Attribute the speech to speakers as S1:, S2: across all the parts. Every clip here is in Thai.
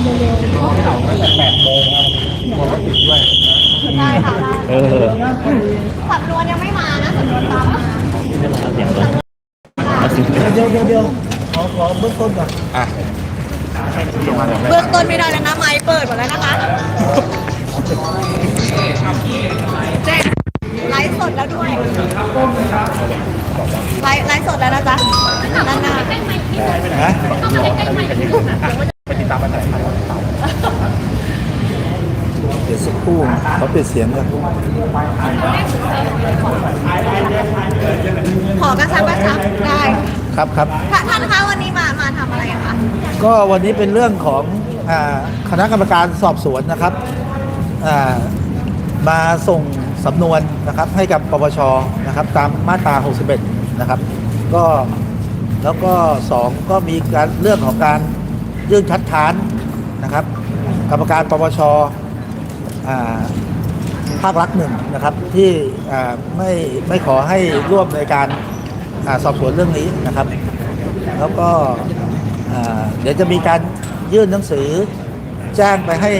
S1: เต่าตั้งแต่8 โมงครับกลัวรถติดด้วย
S2: ได้ค่ะ
S3: เออ
S2: สำนวนยังไม่มานะสำนวนตามมา
S1: เดี๋ยวขอเบื้องต้นก่อน
S3: อ่ะ
S2: เบื้องต้นไม่ได้แล้วนะไม้เปิดหมดแล้วนะคะแจ้งไลฟ์สดแล้วด้วยไลฟ์สดแล้วนะจ๊ะด้านหน้า
S1: นะ
S3: ไปติดตามกันหน่อยครับ
S1: เดี๋ยวสักครู่เขาปิดเสียงกัน
S2: ขอกระชับได้
S1: ครับ
S2: ท่านคะวันนี้มาทำอะไรคะ
S1: ก็วันนี้เป็นเรื่องของคณะกรรมการสอบสวนนะครับมาส่งสำนวนนะครับให้กับปปชนะครับตามมาตรา 61 นะครับก็แล้วก็2ก็มีการเรื่องของการยื่นคัดค้านนะครับกรรมการปปชภาครัฐหนึ่งนะครับที่ไม่ขอให้ร่วมในการสอบสวนเรื่องนี้นะครับแล้วก็เดี๋ยวจะมีการยื่นหนังสือแจ้งไปให้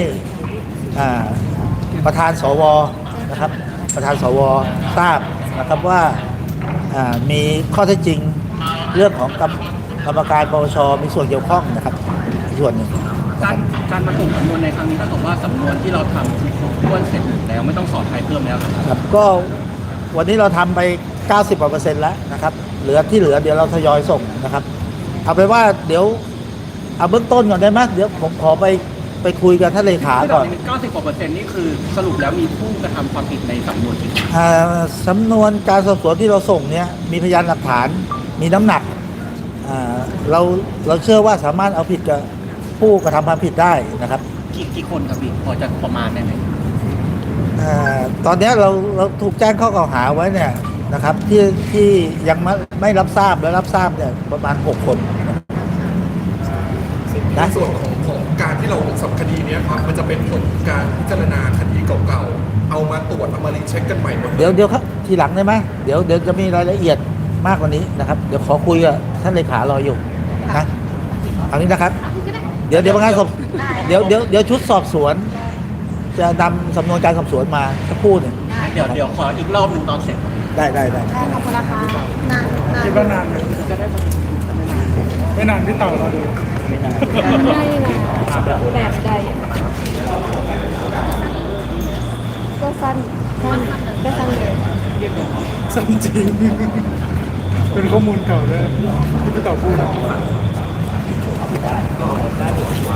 S1: ประธานสวนะครับประธานสวทราบนะครับว่ามีข้อเท็จจริงเรื่องของกรรมการปปชมีส่วนเกี่ยวข้องนะครับส่วนหนึ่ง
S3: การมาส่งสำนวนในครั้งนี้ก็ถือว่าสำนวนที่เราทำคือครบถ้วนเสร็จแล้วไม่ต้องสอบใครเพิ่มแล้ว
S1: ครับก็วันนี้เราทำไป 90% แล้วนะครับเหลือที่เหลือเดี๋ยวเราทยอยส่งนะครับเอาไปว่าเดี๋ยวเอาเบื้องต้นก่อนได้ไหมเดี๋ยวผมขอไปคุยกับท่านเลขาก่อน
S3: 90%นี่คือสรุปแล้วมีผู้กระทำความผิดในสำนวนกี่
S1: สำนวนการสอบสวนที่เราส่งเนี่ยมีพยานหลักฐานมีน้ำหนักเราเชื่อว่าสามารถเอาผิดกับผู้กระทำความผิดได้นะครับ
S3: กี่คนครับพี่พอจะประมาณได้ไหม
S1: ตอนนี้เราถูกแจ้งข้อกล่าวหาไว้เนี่ยนะครับที่ยังไม่รับทราบและรับทราบเนี่ยประมาณ6 คน
S4: ในส่วนของการที่เราสับคดีนี้ครับมันจะเป็นผลการพิจารณาคดีเก่าๆเอามาตรวจเอามารีเช็คกันใหม่หมด
S1: เดี๋ยวครับทีหลังได้ไหมเดี๋ยวจะมีรายละเอียดมากกว่านี้นะครับเดี๋ยวขอคุยกับท่านเลขารออยู่นะเอานี้นะครับเดี๋ยวพนักงานสอบเดี๋ยวชุดสอบสวนจะนำสำนวนการสอบสวนมาสักครู่หนึ่ง
S3: เดี๋ยวขออีกรอบหนึ่งตอนเสร็จ
S1: ได้
S2: ขอบคุณนะคะนาน
S5: คิดว่านานจะได้ไม่นานที่เต่าเราดู
S2: ได้นะแบบใดก็สั้นก็สั้นเลย
S5: สั้นจริงเป็นข้อมูลเก่าเลยที่พี่เต่าพูด